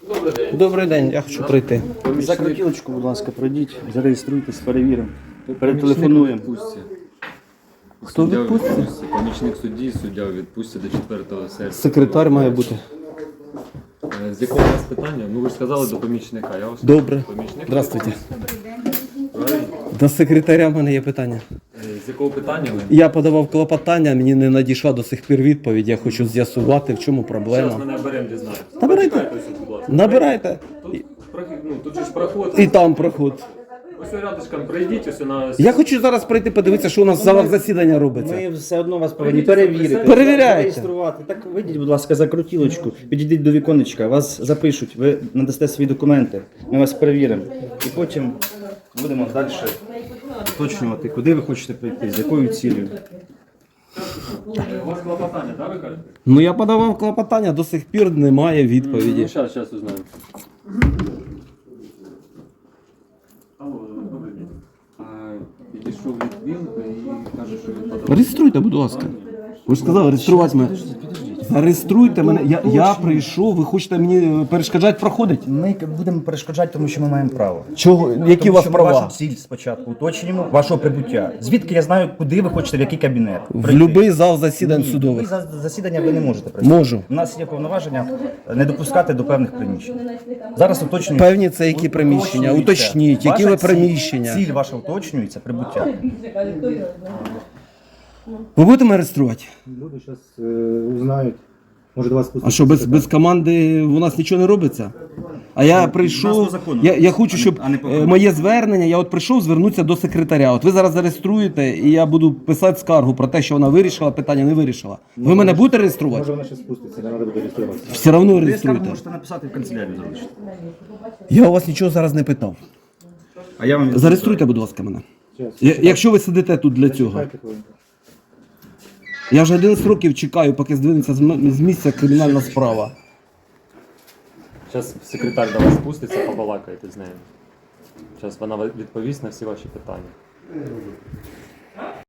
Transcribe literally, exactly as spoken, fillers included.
Добрий день. Добрий день, я хочу прийти. За крутілочку, будь ласка, пройдіть, зареєструйтесь, перевіримо. Перетелефонуємо. Хто відпустить? Помічник судді, суддя у відпустці до четвертого серпня. Секретар має бути. Е, З якого у вас питання? Ну ви ж сказали до помічника. Я вас Добре. помічник. Здравствуйте. Правильно? До секретаря в мене є питання. Е, З якого питання ви? Я подавав клопотання, мені не надійшла до сих пір відповідь. Я хочу з'ясувати, в чому Зараз проблема. ми наберемо, дізнаємося. Набирайте. Почекайте ось, будь ласка. Набирайте. Тут, прохід- ну, тут же ж проход. І там проход. Ось рядышком пройдіть, ось на... Я хочу зараз прийти подивитися, що у нас в залах засідання робиться. Ми все одно вас повинні перевірити. Перевіряйте. Зареєструвати. Так вийдіть, будь ласка, за крутілочку, підійдіть до віконечка, вас запишуть, ви надасте свої документи, ми вас перевіримо. І потім будемо далі уточнювати, куди ви хочете прийти, з якою цілею. У вас клопотання, так, ви кажете? Ну я подавав клопотання, до сих пір немає відповіді. Ну, зараз, зараз узнаємо. Алло, добрий день. А, Підійшов Літвін і каже, що він подав. Реєструйте, будь ласка. Ви ж сказали, реєструвати мене. Зареєструйте мене. Я, я прийшов, ви хочете мені перешкоджати проходить? Ми будемо перешкоджати, тому що ми маємо право. Чого? Які у Тому вас що ми права? вашу ціль спочатку уточнюємо, вашого прибуття. Звідки я знаю, куди ви хочете, в який кабінет? В прийти? будь-який зал засідань Ні, ви судових. за засідання ви не можете прийти. Можу. У нас є повноваження не допускати до певних приміщень. Зараз уточнюємо. Певні це які приміщення? Уточніть, які ви Ваша ціль- приміщення? Ціль ваша уточнюється, прибуття. Ви будете мене реєструвати? Люди зараз е, узнають. Може до вас спуститься. А що, без, без команди у нас нічого не робиться? А я прийшов, по закону. я, я хочу, щоб А не по е, моє звернення, я от прийшов звернутися до секретаря. От ви зараз зареєструєте, і я буду писати скаргу про те, що вона вирішила, питання не вирішила. Ви мене будете реєструвати? Може вона ще спуститься, не треба буде реєструватися. Все одно Ви скаргу реєструйте. можете написати в канцелярію залишити. Я у вас нічого зараз не питав. А я вам Зареєструйте, будь ласка, мене. Щас, Я- Якщо ви сидите тут для цього. чекайте хвилинку. Я вже одинадцять років чекаю, поки здвинеться з м- з місця кримінальна справа. Зараз секретар до вас спуститься, побалакайте з нею. Зараз вона відповість на всі ваші питання.